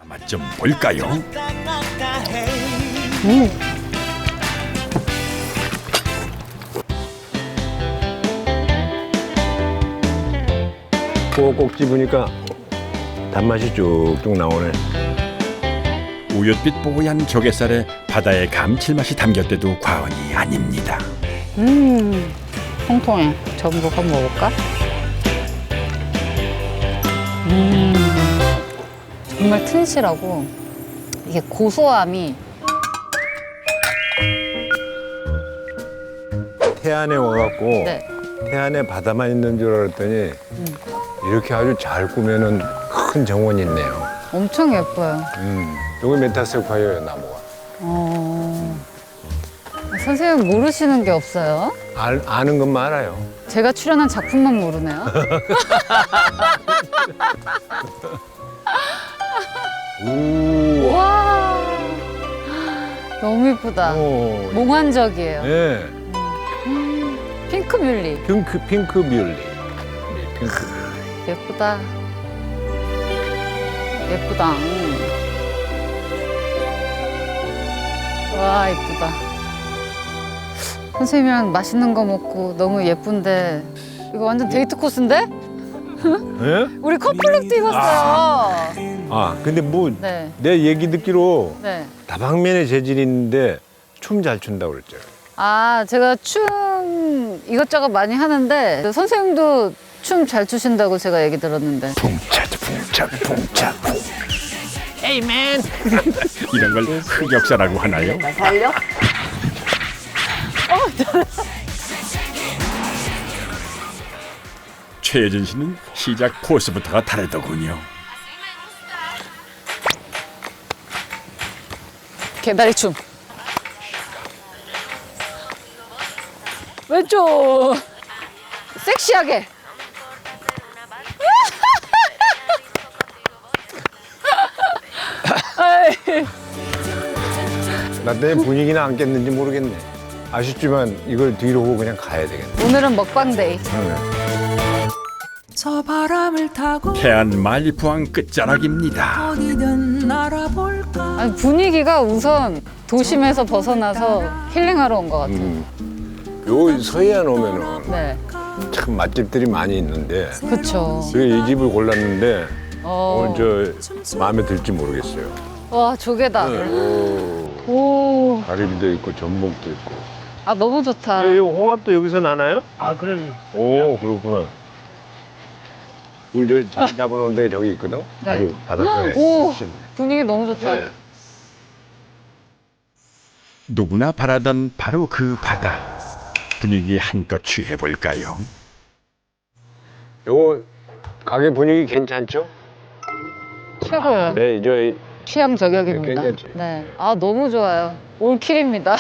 맛 좀 볼까요? 꼭꼭 집으니까 단맛이 쭉쭉 나오네. 우윳빛 뽀얀 조갯살에 바다의 감칠맛이 담겼대도 과언이 아닙니다. 통통해. 전복 한번 먹을까? 정말 튼실하고 이게 고소함이 태안에 와갖고 네. 태안에 바다만 있는 줄 알았더니 이렇게 아주 잘 꾸며놓은 큰 정원이 있네요. 엄청 예뻐요. 여기 메타세콰이어예요, 나무가. 선생님 모르시는 게 없어요? 아는 것만 알아요. 제가 출연한 작품만 모르네요. 우. 와, 너무 예쁘다. 오. 몽환적이에요. 예. 핑크 뮬리. 핑크 뮬리. 핑크. 예쁘다. 예쁘다. 와, 예쁘다. 선생님이랑 맛있는 거 먹고 너무 예쁜데 이거 완전 데이트 코스인데? 예? 우리 커플룩도 입었어요. 아, 근데 뭐 네, 내 얘기 듣기로 네. 다방면의 재질이 있는데 춤 잘 춘다고 그랬죠. 아, 제가 춤 이것저것 많이 하는데 선생님도 춤 잘 추신다고 제가 얘기 들었는데. 풍차. 에이맨. 이런 걸 흑역사라고 하나요? 살려? 최혜진 씨는 시작 포스부터가 다르더군요. 개다리 춤. 왼쪽. 섹시하게. 나 때문에 분위기는 안 깼는지 모르겠네. 아쉽지만 이걸 뒤로 보고 그냥 가야 되겠네. 오늘은 먹방 데이. 저 바람을 타고 태안 말리포항 끝자락입니다. 어디든 날아볼까. 아니, 분위기가 우선 도심에서 벗어나서 힐링하러 온 것 같아요. 요 서해안 오면은 네, 참 맛집들이 많이 있는데 그쵸. 그래서 이 집을 골랐는데 어. 오늘 저 마음에 들지 모르겠어요. 와, 조개다. 오, 오, 가리비도 있고 전복도 있고. 아, 너무 좋다. 이 홍합도 여기서 나나요? 아, 그래. 오, 그렇구나. 우리 저 자기 잡아놓은 데 저기 있거든? 네. 아주 바닷가에. 오, 분위기 너무 좋다. 네. 누구나 바라던 바로 그 바다. 분위기 한껏 취해볼까요? 요거 가게 분위기 괜찮죠? 최고예요. 네, 저 취향 저격입니다. 괜찮지? 네. 아, 너무 좋아요. 올킬입니다.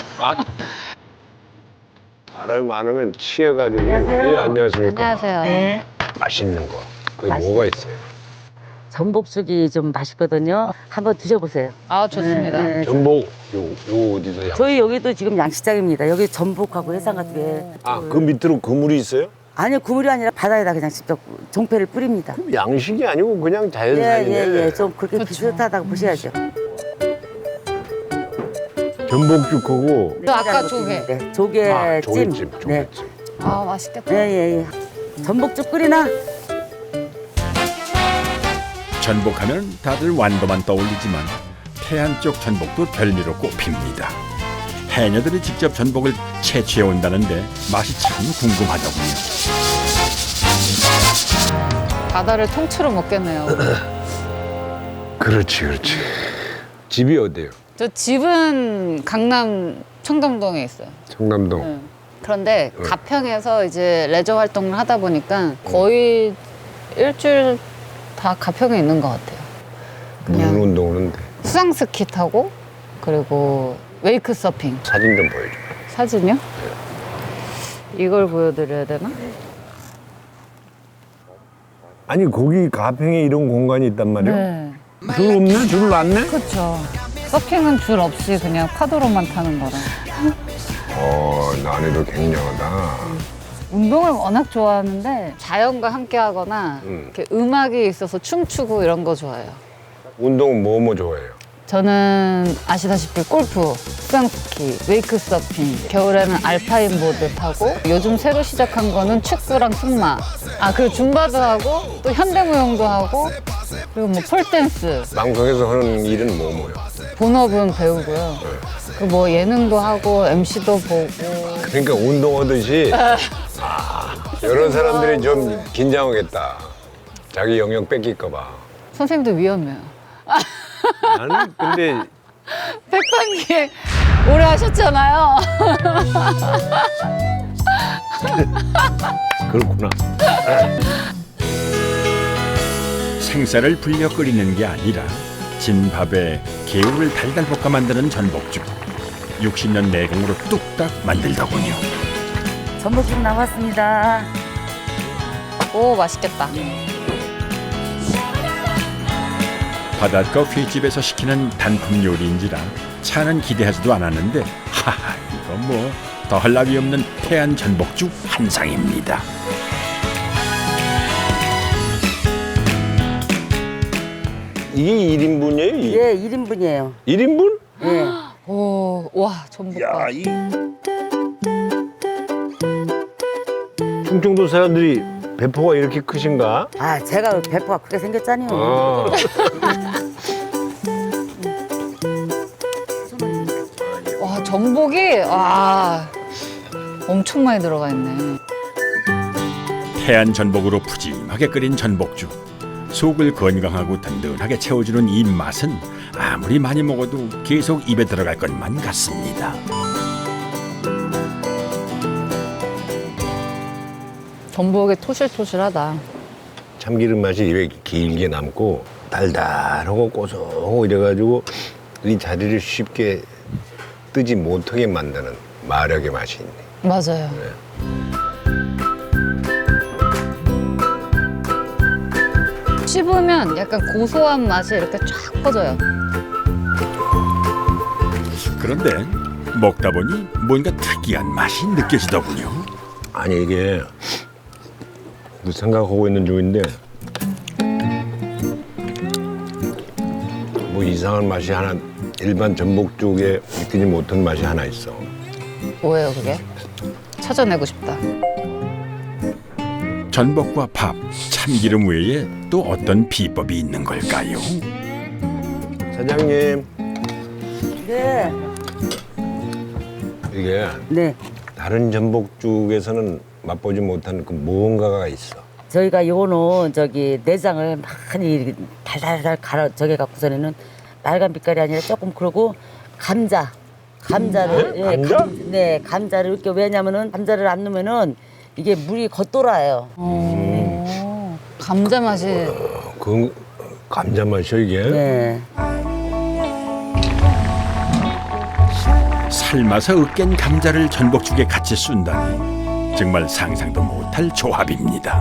사람이 많으면 취해가지고. 예, 안녕하십니까. 안녕하세요. 네. 맛있는 거. 그게 뭐가 있어요? 전복죽이 좀 맛있거든요. 한번 드셔보세요. 아, 좋습니다. 네. 전복, 요 어디서 양? 저희 여기도 지금 양식장입니다. 여기 전복하고 해삼 같은 게. 아, 그 밑으로 그물이 있어요? 아니요, 그물이 아니라 바다에다 그냥 직접 종패를 뿌립니다. 양식이 아니고 그냥 자연산이네. 예. 좀 그렇게 그렇죠. 비슷하다고 보셔야죠. 전복죽하고 저 아까 조개. 네, 조개찜. 아, 조개찜, 네. 조개찜. 아, 맛있겠다. 예. 전복죽 끓이나? 전복하면 다들 완도만 떠올리지만 태안 쪽 전복도 별미로 꼽힙니다. 해녀들이 직접 전복을 채취해 온다는데 맛이 참 궁금하더군요. 바다를 통째로 먹겠네요. 그렇지. 집이 어디예요? 저 집은 강남 청담동에 있어요. 청남동. 네. 그런데 가평에서 이제 레저 활동을 하다 보니까 거의 일주일 다 가평에 있는 것 같아요. 무슨 그냥 운동은 수상 스키 타고 그리고 웨이크 서핑. 사진 좀 보여줘. 사진이요? 이걸 보여드려야 되나? 아니 거기 가평에 이런 공간이 있단 말이에요? 네. 줄 없네? 줄을 놨네? 그렇죠. 서핑은 줄 없이 그냥 파도로만 타는 거라. 난이도 굉장하다. 운동을 워낙 좋아하는데 자연과 함께 하거나 이렇게 음악이 있어서 춤추고 이런 거 좋아해요. 운동은 뭐 좋아해요? 저는 아시다시피 골프, 수상스키, 웨이크 서핑, 겨울에는 알파인 보드 타고 요즘 새로 시작한 거는 축구랑 승마. 아, 그리고 줌바도 하고 또 현대무용도 하고 그리고 뭐 폴댄스. 방송에서 하는 일은 뭐요? 본업은 배우고요. 그리고 뭐 예능도 하고 MC도 보고. 그러니까 운동하듯이 여러 사람들이 좀 긴장하겠다. 자기 영역 뺏길까 봐. 선생님도 위험해요. 나는 근데 백반기에 오래 하셨잖아요. 그렇구나. 생쌀을 불려 끓이는 게 아니라 진밥에 개울을 달달 볶아 만드는 전복죽. 60년 내공으로 뚝딱 만들더군요. 전복죽 나왔습니다. 오, 맛있겠다. 바닷가 횟집에서 시키는 단품 요리인지라 차는 기대하지도 않았는데 하하 이거 뭐 더할 나위 없는 태안 전복죽 한 상입니다. 이게 1인분이에요? 예, 1인분이에요. 1인분? 예. 오, 와, 전복밥. 충청도 사람들이 배포가 이렇게 크신가? 아, 제가 배포가 크게 생겼잖아요. 아. 와, 전복이 엄청 많이 들어가 있네. 태안 전복으로 푸짐하게 끓인 전복죽. 속을 건강하고 든든하게 채워주는 이 맛은 아무리 많이 먹어도 계속 입에 들어갈 것만 같습니다. 전복이 토실토실하다. 참기름 맛이 입에 길게 남고 달달하고 고소하고 이래가지고 이 자리를 쉽게 뜨지 못하게 만드는 마력의 맛이 있네. 맞아요. 씹으면 약간 고소한 맛이 이렇게 쫙 퍼져요. 그런데 먹다 보니 뭔가 특이한 맛이 느껴지더군요. 아니 이게 생각하고 있는 중인데 뭐 이상한 맛이 하나 일반 전복죽에 느끼지 못한 맛이 하나 있어. 뭐예요, 그게? 찾아내고 싶다. 전복과 밥, 참기름 외에 또 어떤 비법이 있는 걸까요? 사장님 네. 이게 네. 다른 전복죽에서는 맛보지 못한 그 무언가가 있어. 저희가 요거는 내장을 많이 달달달 갈아 저게 갖고서는 빨간 빛깔이 아니라 조금 그러고 감자를 감자? 네, 감자를 이렇게 왜냐면은 감자를 안 넣으면은 이게 물이 겉돌아요. 감자 맛이 그 감자 맛이야 이게? 네. 삶아서 으깬 감자를 전복죽에 같이 쏜다니 정말 상상도 못할 조합입니다.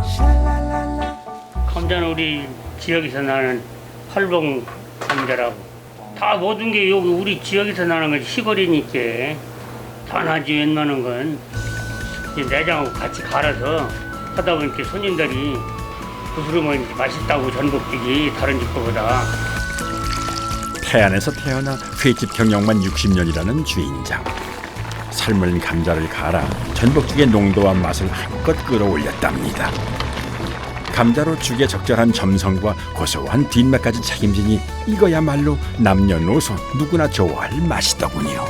감자는 우리 지역에서 나는 활봉 감자라고. 다 모든 게 여기 우리 지역에서 나는 건 시골이니까 다 나지 웬만한 건 이제 내장하고 같이 갈아서 하다 보니까 손님들이 부스러면 이제 맛있다고 전복죽이 다른 집 거보다. 태안에서 태어나 횟집 경영만 60년이라는 주인장. 삶은 감자를 갈아 전복죽의 농도와 맛을 한껏 끌어올렸답니다. 감자로 죽에 적절한 점성과 고소한 뒷맛까지 책임지니 이거야말로 남녀노소 누구나 좋아할 맛이더군요.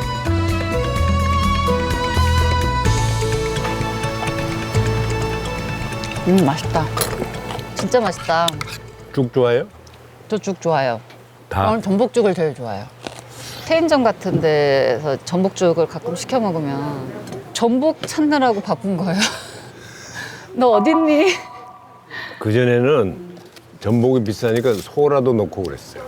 맛있다. 진짜 맛있다. 죽 좋아해요? 저 죽 좋아요. 다? 저는 전복죽을 제일 좋아해요. 체인점 같은 데서 전복죽을 가끔 시켜 먹으면 전복 찾느라고 바쁜 거예요. 너 어딨니? 그전에는 전복이 비싸니까 소라도 넣고 그랬어요.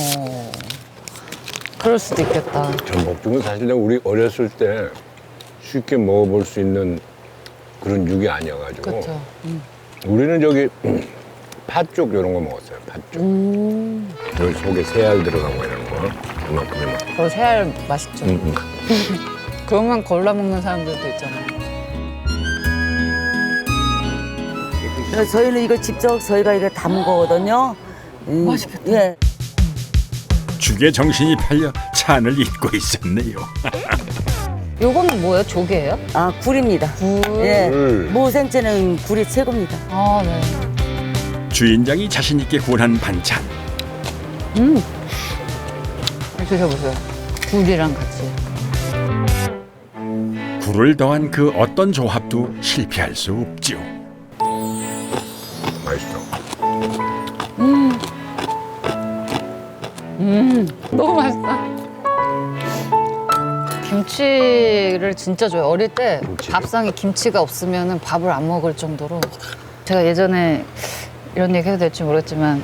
그럴 수도 있겠다. 전복죽은 사실 우리 어렸을 때 쉽게 먹어볼 수 있는 그런 죽이 아니어가지고 그렇죠. 우리는 팥죽 이런 거 먹었어요. 팥죽. 여기 속에 새알 들어가고 이런 거. 이만큼. 그 새알 맛있죠. 그것만 골라 먹는 사람들도 있잖아요. 그래서 저희는 이거 직접 저희가 이거 담은 거거든요. 맛있겠다. 예. 죽에 정신이 팔려 찬을 잊고 있었네요. 요거는 뭐예요? 조개예요? 아, 굴입니다. 굴. 예. 굴. 무생채는 굴이 최고입니다. 아, 네. 주인장이 자신 있게 구원한 반찬. 드셔보세요. 굴이랑 같이. 굴을 더한 그 어떤 조합도 실패할 수 없죠. 맛있어. 너무 맛있다. 김치를 진짜 좋아해요. 어릴 때 김치. 밥상에 김치가 없으면 밥을 안 먹을 정도로. 제가 예전에 이런 얘기 해도 될지 모르겠지만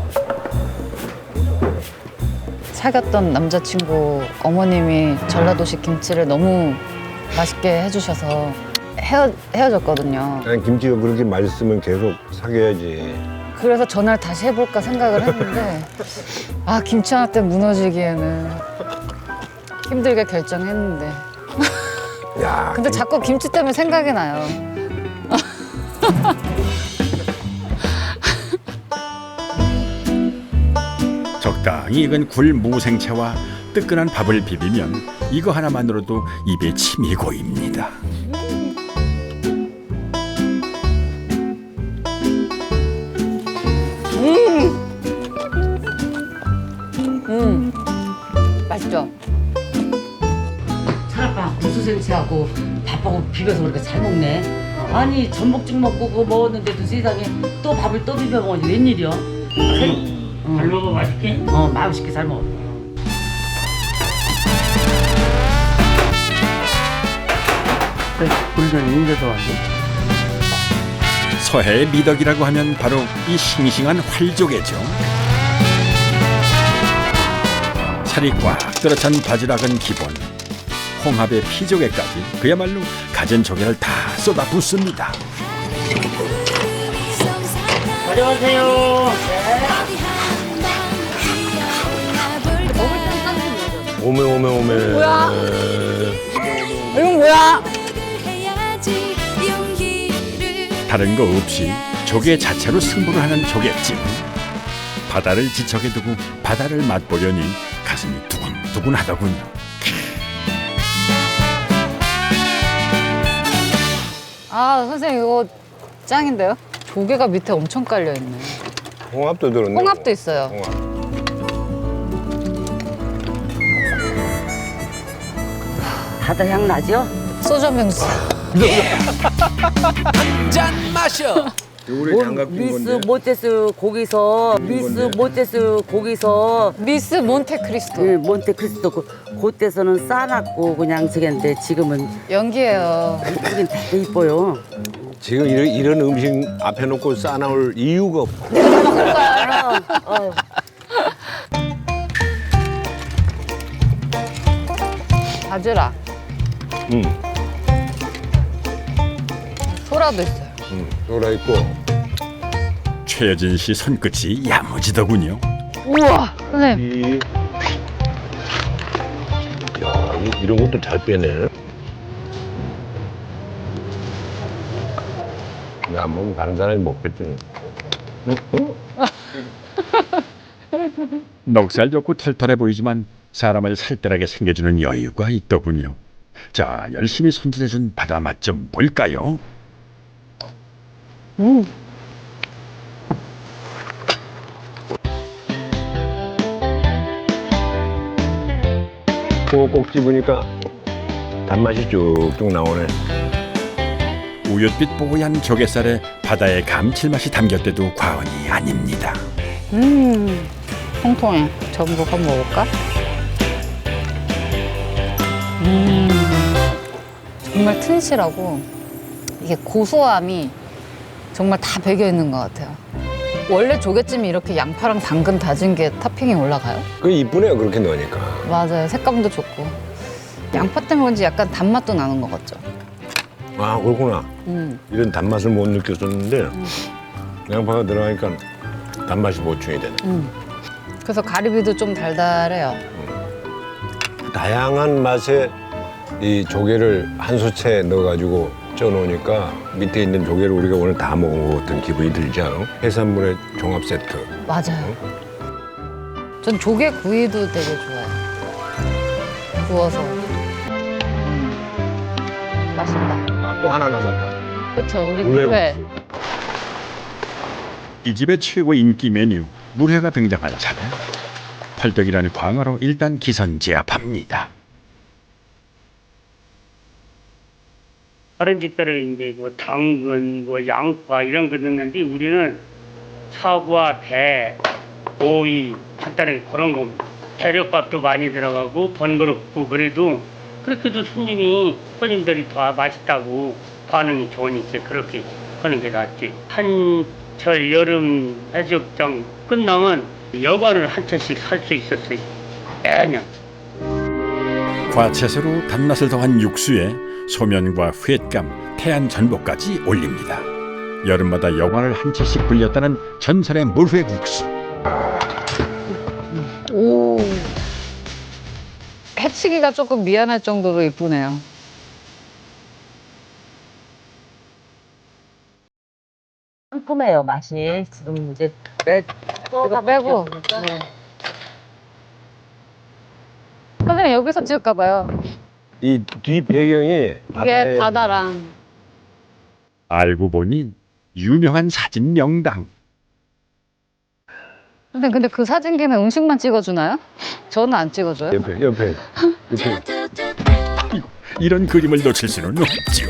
사귀었던 남자친구 어머님이 전라도식 김치를 너무 맛있게 해주셔서 헤어졌거든요. 난 김치가 그렇게 맛있으면 계속 사귀어야지. 그래서 전화를 다시 해볼까 생각을 했는데 아 김치 하나 때문에 무너지기에는 힘들게 결정했는데 야, 근데 자꾸 김치 때문에 생각이 나요. 적당히 익은 굴 무생채와 뜨끈한 밥을 비비면 이거 하나만으로도 입에 침이 고입니다. 맛있죠? 차라빵 구수생채하고 밥하고 비벼서 그렇게 잘 먹네. 아니 전복죽 먹고 그거 먹었는데도 세상에 또 밥을 또 비벼 먹으니 웬일이야? 잘 먹어 맛있게. 맛있게 잘 먹어. 굴전 인제도 왔네. 서해의 미덕이라고 하면 바로 이 싱싱한 활조개죠. 살이 꽉 들어찬 바지락은 기본, 홍합의 피조개까지 그야말로 가진 조개를 다 쏟아붓습니다. 안녕하세요. 오메. 뭐야? 이건 뭐야? 다른 거 없이 조개 자체로 승부를 하는 조개찜. 바다를 지척에 두고 바다를 맛보려니 가슴이 두근두근하더군요. 아 선생님 이거 짱인데요? 조개가 밑에 엄청 깔려 있네. 홍합도 들었네. 홍합도 있어요. 홍합. 바다 향 나죠? 소주 한 병 주세요. 요리 장갑 낀 미스 건데. 모테스 거기서 미스 몬테크리스토. 몬테크리스토 그때서는 싸놨고 그냥 저긴데 지금은 연기예요. 이쁘긴 되게 이뻐요. 지금 이런 음식 앞에 놓고 싸나올 이유가 없고. 바지락. 소라도 있어요. 돌아 있고. 최여진 씨 손끝이 야무지더군요. 우와 선생님. 야, 이런 것도 잘 빼네. 나 안 먹으면 다른 사람이 먹겠지. 넉살 좋고 털털해 보이지만 사람을 살뜰하게 생겨주는 여유가 있더군요. 자, 열심히 손질해준 바다 맛 좀 볼까요? 꼭꼭 집으니까 단맛이 쭉쭉 나오네. 우윳빛 뽀얀 조갯살에 바다의 감칠맛이 담겼대도 과언이 아닙니다. 통통해. 전복 한번 먹을까? 정말 튼실하고 이게 고소함이 정말 다 배겨 있는 것 같아요. 원래 조개찜이 이렇게 양파랑 당근 다진 게 토핑이 올라가요? 그 이쁘네요, 그렇게 넣으니까. 맞아요. 색감도 좋고. 양파 때문에 그런지 약간 단맛도 나는 것 같죠? 아, 그렇구나. 이런 단맛을 못 느꼈었는데 양파가 들어가니까 단맛이 보충이 되네. 그래서 가리비도 좀 달달해요. 다양한 맛의 이 조개를 한 수채 넣어가지고 쪄놓으니까 밑에 있는 조개를 우리가 오늘 다 먹은 것 같은 기분이 들지 않아? 해산물의 종합 세트. 맞아요. 전 조개 구이도 되게 좋아해요. 구워서. 맛있다. 아, 또 하나 남았다. 그쵸, 우리 물회. 회. 이 집의 최고 인기 메뉴 물회가 등장할 차례. 펄떡이라는 광어로 일단 기선제압합니다. 다른 집들은 이제 뭐 당근, 뭐 양파 이런 거 넣는데 우리는 사과, 배, 오이 간단하게 그런 겁니다. 재료값도 많이 들어가고 번거롭고 그래도 그렇게도 손님들이 더 맛있다고 반응이 좋으니까 그렇게 하는 게 낫지. 한철 여름 해수욕장 끝나면 여관을 한 채씩 살 수 있었어요. 매년. 과채소로 단맛을 더한 육수에 소면과 횟감, 태안 전복까지 올립니다. 여름마다 여관을 한 채씩 불렸다는 전설의 물회국수. 오. 해치기가 조금 미안할 정도로 이쁘네요. 상큼해요 맛이. 지금 이제 이거 빼고. 네. 선생님 여기서 찍을까 봐요. 이 뒤 배경이 이게 바다랑. 알고 보니 유명한 사진 명당. 선생님 근데 그 사진기는 음식만 찍어주나요? 저는 안 찍어줘요. 옆에. 이런 그림을 놓칠 수는 없죠.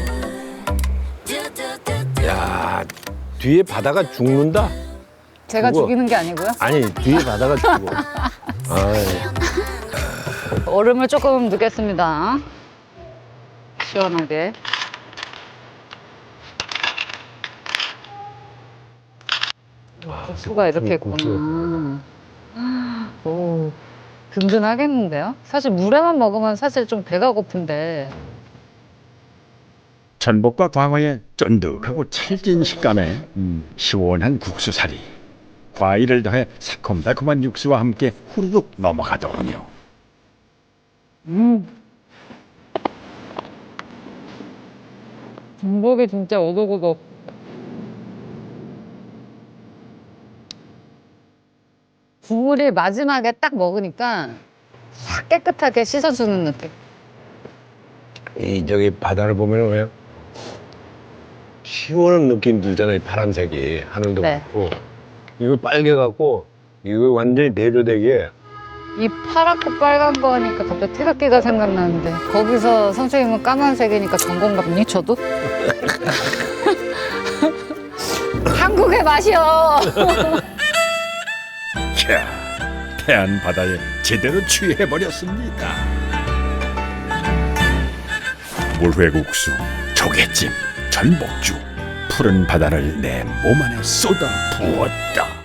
야, 뒤에 바다가 죽는다. 제가 그거- 죽이는 게 아니고요. 아니, 뒤에 바다가 죽어. 아이. 얼음을 조금 넣겠습니다. 시원하게. 국수가 이렇게 있구나. 오, 든든하겠는데요? 사실 물에만 먹으면 사실 좀 배가 고픈데. 전복과 광어의 쫀득하고 찰진 식감에 시원한 국수살이, 과일을 더해 새콤달콤한 육수와 함께 후루룩 넘어가더군요. 전복이 진짜 오독오독. 국물이 마지막에 딱 먹으니까 싹 깨끗하게 씻어주는 느낌. 이 저기 바다를 보면 왜 시원한 느낌 들잖아요. 파란색이 하늘도 네. 그렇고 이거 빨개갖고 이거 완전히 내조되게 이 파랗고 빨간 거 하니까 갑자기 태극기가 생각나는데 거기서 선생님은 까만색이니까 전공감니 저도? 한국의 맛이요. 캬, 태안 바다에 제대로 취해버렸습니다. 물회국수, 조개찜, 전복죽, 푸른 바다를 내 몸 안에 쏟아 부었다.